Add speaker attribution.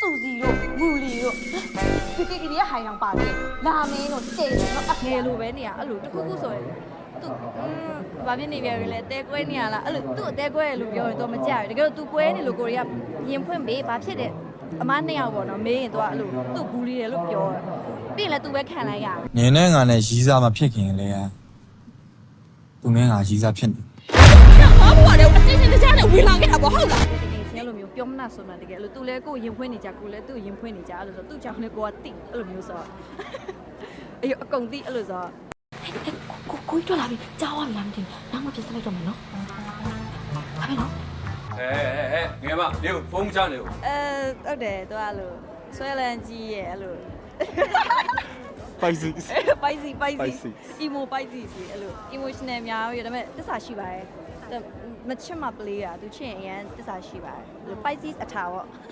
Speaker 1: Susie တို့ Ruli တို့ဒီကကြီးရဲ့ဟိုင်တောင်ပါလေလာမင်းတို့တေတယ်တော့အငယ်လိုပဲနေရအဲ့လိုတခုခုဆိုရင်သူဘာဖြစ်နေပြန်ပြီလဲတဲကွဲနေရလားအဲ့လိုသူ့အတဲကွဲလို့ပြောရင်တော့မကြရဘူးတကယ်တော့ तू ကွဲနေလို့ကိုရီးယားရင်ဖွင့်ပေးဘာဖြစ်တယ်အမနှစ်ယောက်ပေါ့နော်မေးရင် तू အဲ့လိုသူ့ဘူးလီတယ်လို့ပြောတယ်ပြီးရင်လည်း तू ပဲခံလိုက်ရ
Speaker 2: နင်းနဲ့ငါနဲ့ရီးစားမဖြစ်ခင်လေသူနဲ့ငါရီးစားဖြစ်နေ
Speaker 1: ဘာဘွားလဲအချင်းချင်းတခြားနဲ့ဝင်လာခဲ့တာပေါ့ဟုတ်လားအဲ့လိုမျိုးပြောမနာဆိုမှတကယ်အဲ့လို तू လဲကိုရင်ဖွင့်နေကြကိုလဲသူ့ရင်ဖွင့်နေကြအဲ့လိုဆိုသူ့ကြောင့်လဲကိုကတိအဲ့လိုမျိုးဆိုအေးအကုန်တိအဲ့လိုဆိုကိုထွက်လာပြီကြားဝါပြီလားမသိဘူးနောက်မှပြစ်စလိုက်တော့မယ်နော်ဟာမယ်နော်
Speaker 3: ငယ်မနေဖုန်းချနေဦး
Speaker 1: ဟုတ်တယ်သူအဲ့လိုဆွဲလန်းကြီးရဲ့အဲ့လို
Speaker 2: Spicy
Speaker 1: spicy emo spicy စီအဲ့လို emotional များရဒါပေမဲ့တစ္ဆာရှိပါတယ်မချစ်မပလေးတာသူချစ်ရင်အရင်တစ္ဆာရှိပါတယ် spicy အထာပေါ့